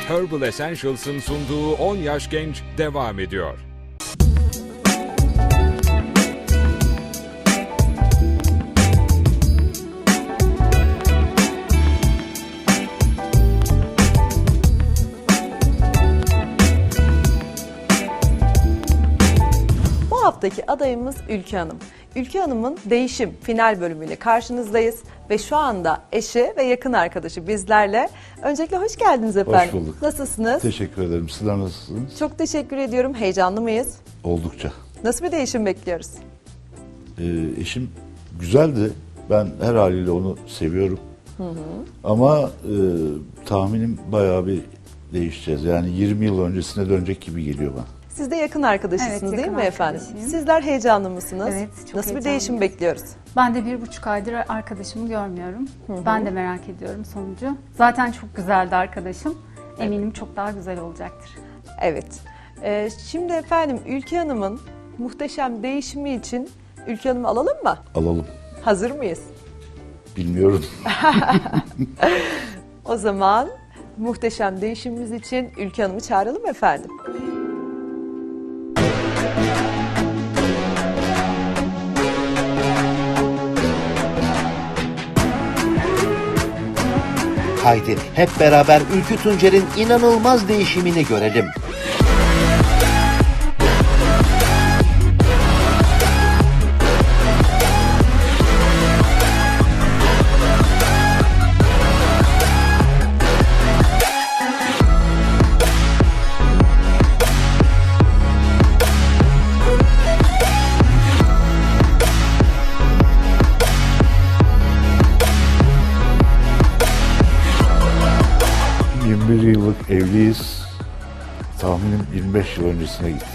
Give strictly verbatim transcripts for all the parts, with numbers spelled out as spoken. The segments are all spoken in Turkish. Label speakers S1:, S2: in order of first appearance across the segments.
S1: Herbal Essentials'ın sunduğu on Yaş Genç devam ediyor.
S2: Bu haftaki adayımız Ülke Hanım. Ülke Hanım'ın Değişim final bölümüyle karşınızdayız ve şu anda eşi ve yakın arkadaşı bizlerle. Öncelikle hoş geldiniz efendim.
S3: Hoş bulduk.
S2: Nasılsınız?
S3: Teşekkür ederim. Sizler nasılsınız?
S2: Çok teşekkür ediyorum. Heyecanlı mıyız?
S3: Oldukça.
S2: Nasıl bir değişim bekliyoruz?
S3: Ee, eşim güzeldi. Ben her haliyle onu seviyorum. Hı hı. Ama e, tahminim bayağı bir değişeceğiz. Yani yirmi yıl öncesine dönecek gibi geliyor bana.
S2: Siz de yakın arkadaşısınız
S4: Evet,
S2: değil
S4: yakın
S2: mi efendim?
S4: arkadaşıyım.
S2: Sizler heyecanlı mısınız?
S4: Evet, çok
S2: Nasıl bir
S4: heyecanlıyım.
S2: değişim bekliyoruz?
S4: Ben de bir buçuk aydır arkadaşımı görmüyorum. Ben de merak ediyorum sonucu. Zaten çok güzeldi arkadaşım. Eminim çok daha güzel olacaktır.
S2: Evet. Ee, şimdi efendim Ülke Hanım'ın muhteşem değişimi için Ülke Hanım'ı alalım mı?
S3: Alalım.
S2: Hazır mıyız?
S3: Bilmiyorum.
S2: O zaman muhteşem değişimimiz için Ülke Hanım'ı çağıralım efendim.
S5: Haydi hep beraber Ülkü Tuncer'in inanılmaz değişimini görelim.
S3: yirmi bir yıllık evliyiz. Tahminim yirmi beş yıl öncesine gitti.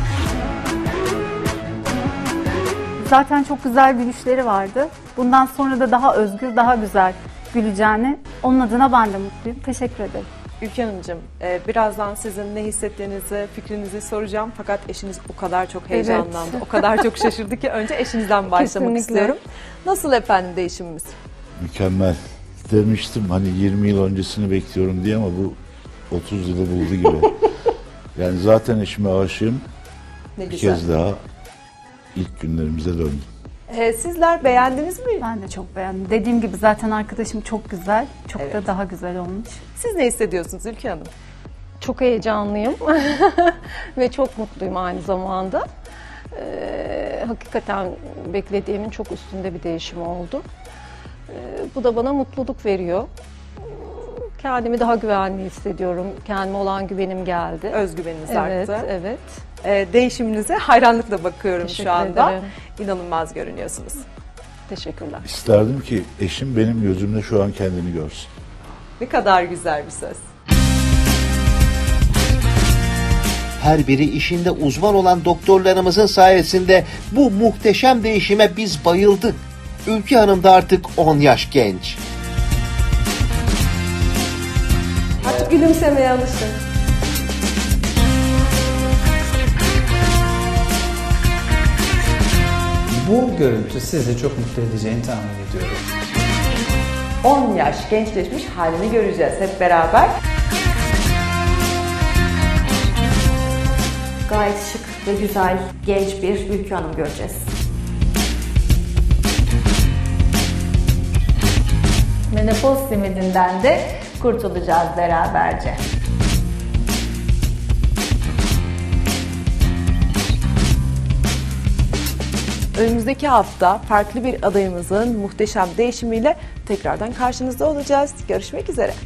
S4: Zaten çok güzel gülüşleri vardı. Bundan sonra da daha özgür, daha güzel güleceğini. Onun adına ben de mutluyum. Teşekkür ederim.
S2: Ülke Hanımcığım, e, birazdan sizin ne hissettiğinizi, fikrinizi soracağım. Fakat eşiniz o kadar çok heyecanlandı,
S4: Evet.
S2: o kadar çok şaşırdı ki önce eşinizden başlamak
S4: Kesinlikle.
S2: istiyorum. Nasıl efendim değişimimiz?
S3: Mükemmel. Demiştim hani yirmi yıl öncesini bekliyorum diye ama bu otuz yılı buldu gibi. Yani zaten eşime aşığım.
S2: Ne
S3: Bir
S2: güzel.
S3: kez daha ilk günlerimize döndüm.
S2: E, sizler beğendiniz mi?
S4: Ben de çok beğendim. Dediğim gibi zaten arkadaşım çok güzel. Çok
S2: Evet.
S4: da daha güzel olmuş.
S2: Siz ne hissediyorsunuz Ülke Hanım?
S6: Çok heyecanlıyım ve çok mutluyum aynı zamanda. Ee, hakikaten beklediğimin çok üstünde bir değişim oldu. Ee, bu da bana mutluluk veriyor. Kendimi daha güvenli hissediyorum. Kendime olan güvenim geldi.
S2: Özgüveniniz
S6: Evet,
S2: arttı.
S6: evet.
S2: E, değişiminize hayranlıkla bakıyorum
S6: Teşekkür
S2: şu anda.
S6: ederim.
S2: İnanılmaz görünüyorsunuz.
S6: Teşekkürler.
S3: İsterdim ki eşim benim gözümde şu an kendini görsün.
S2: Ne kadar güzel bir söz.
S5: Her biri işinde uzman olan doktorlarımızın sayesinde bu muhteşem değişime biz bayıldık. Ülkü Hanım da artık on yaş genç.
S2: Artık gülümsemeye alışın.
S7: Bu görüntü sizi çok mutlu edeceğini tahmin ediyorum.
S2: on yaş gençleşmiş halini göreceğiz hep beraber.
S8: Gayet şık ve güzel, genç bir Ülkü Hanım göreceğiz. Menopoz simidinden de kurtulacağız beraberce.
S2: Önümüzdeki hafta farklı bir adayımızın muhteşem değişimiyle tekrardan karşınızda olacağız. Görüşmek üzere.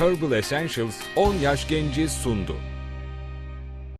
S1: Herbal Essentials on yaş genci sundu.